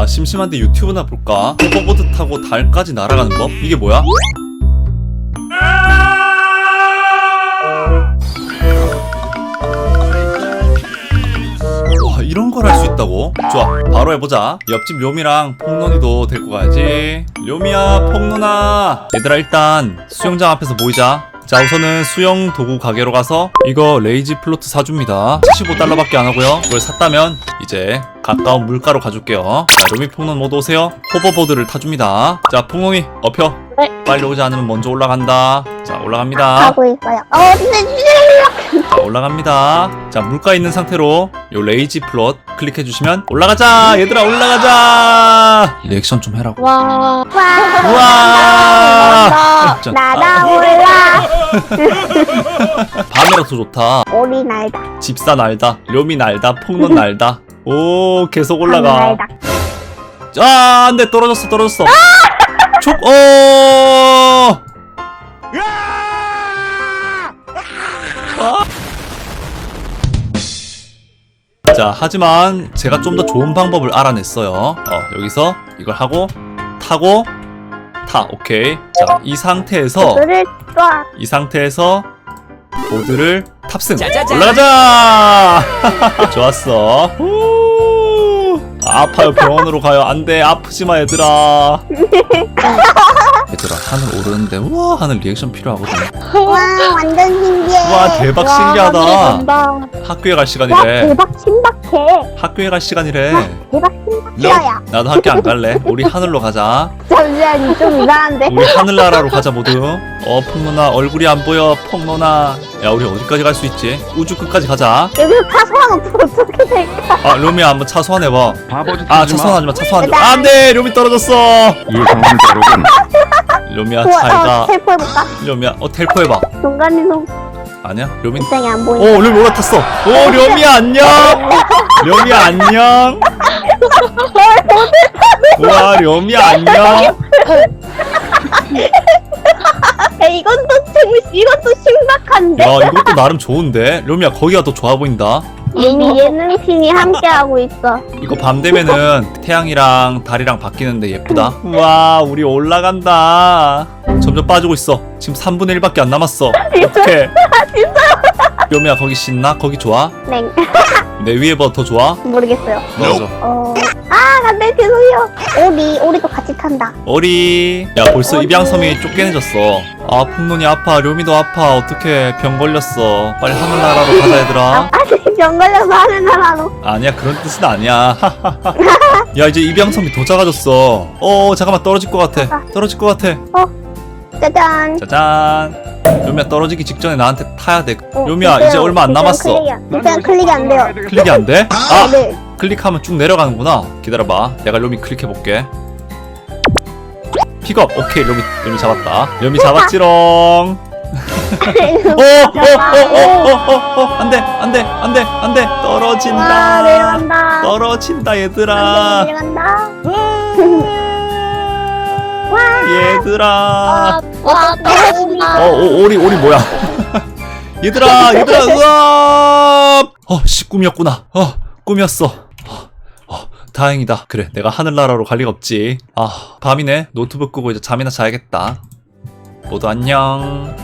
야, 심심한데 유튜브나 볼까? 호버보드 타고 달까지 날아가는 법? 이게 뭐야? 와, 이런 걸 할 수 있다고? 좋아, 바로 해보자. 옆집 료미랑 폭론이도 데리고 가야지. 료미야, 폭론아. 얘들아, 일단 수영장 앞에서 모이자. 자, 우선은 수영 도구 가게로 가서 이거 레이지 플로트 사줍니다. 75달러밖에 안 하고요. 이걸 샀다면 이제 가까운 물가로 가줄게요. 자, 료미, 폭론 모두 오세요. 호버보드를 타줍니다. 자, 폭론이 업혀. 네. 빨리 오지 않으면 먼저 올라간다. 자, 올라갑니다. 가고 있어요. 자, 올라갑니다. 자, 물가에 있는 상태로 요 레이지 플롯 클릭해주시면 올라가자. 얘들아, 올라가자. 리액션 좀 해라고. 와. 우와. 자, 날아올라. 밤이라서 좋다. 오리 날다. 집사 날다, 료미 날다, 폭론 날다. 오, 계속 올라가. 날다. 아, 안돼, 떨어졌어. 촉. 자, 하지만 제가 좀 더 좋은 방법을 알아냈어요. 여기서 이걸 하고 타고 오케이. 자, 이 상태에서 그를 쏴. 이 상태에서 보드를 탑승. 올라가자. 좋았어. 아파요. 병원으로 가요. 안돼, 아프지마 얘들아. 얘들아, 하늘 오르는데 우와 하는 리액션 필요하거든. 와, 완전 신기해. 와, 대박 신기하다. 와, 학교에 갈 시간이래. 대박 신박해. 학교에 갈 시간이래. 대박 신박해야. 나도 학교 안 갈래. 우리 하늘로 가자. 잠시만, 좀 이상한데? 우리 하늘나라로 가자 모두. 폭로나 얼굴이 안 보여. 폭로나. 야, 우리 어디까지 갈 수 있지? 우주 끝까지 가자. 여기서 타소한 어떻게 될까? 아, 료미야, 한번 차소환해봐. 바보짓 아, 하지 마. 차소환하지마. 차소환하지마. 안돼, 료미 떨어졌어. 예상을 다루군. 료미야, 잘가. 텔포 해볼까? 료미야, 텔포해봐. 중간이동 아니야, 료미. 입장이 안 보이네. 료미 올라탔어. 료미야, 안녕. 료미야, 안녕. 우와, 료미야, 안녕. 이것도 신박한데? 야, 이것도 나름 좋은데. 료미야, 거기가 더 좋아 보인다. 이미 예능신이 함께하고 있어. 이거 밤 되면은 태양이랑 달이랑 바뀌는데 예쁘다. 우와, 우리 올라간다. 점점 빠지고 있어. 지금 3분의 1밖에 안 남았어. 어떡해. 료미야, 거기 신나? 거기 좋아? 네. 내 위에 더 좋아? 모르겠어요. 맞아. 안돼, 죄송해요. 오리도 같이 탄다. 어리. 야, 벌써 입양섬이 쫓겨내졌어. 아, 폭론이 아파. 료미도 아파. 어떡해. 병 걸렸어. 빨리 하늘나라로 가자, 얘들아. 병 걸려서 하늘나라로. 아니야, 그런 뜻은 아니야. 야, 이제 입양섬이 더 작아졌어. 잠깐만, 떨어질 것 같아. 떨어질 것 같아. 짜잔. 짜잔. 료미야, 떨어지기 직전에 나한테 타야 돼. 료미야, 지금 이제 얼마 안 남았어. 일단 클릭이 안 돼요. 클릭이 안 돼? 아! 네. 클릭하면 쭉 내려가는구나. 기다려봐. 내가 료미 클릭해볼게. 픽업. 오케이, 료미 잡았다. 료미 잡았지롱. 안돼. 떨어진다. 와, 내려간다. 떨어진다, 얘들아. 내려간다. 얘들아. 와, 떨어진다. 오리 뭐야? 얘들아, 으아! 꿈이었구나. 꿈이었어. 다행이다. 그래, 내가 하늘나라로 갈 리가 없지. 밤이네. 노트북 끄고 이제 잠이나 자야겠다. 모두 안녕.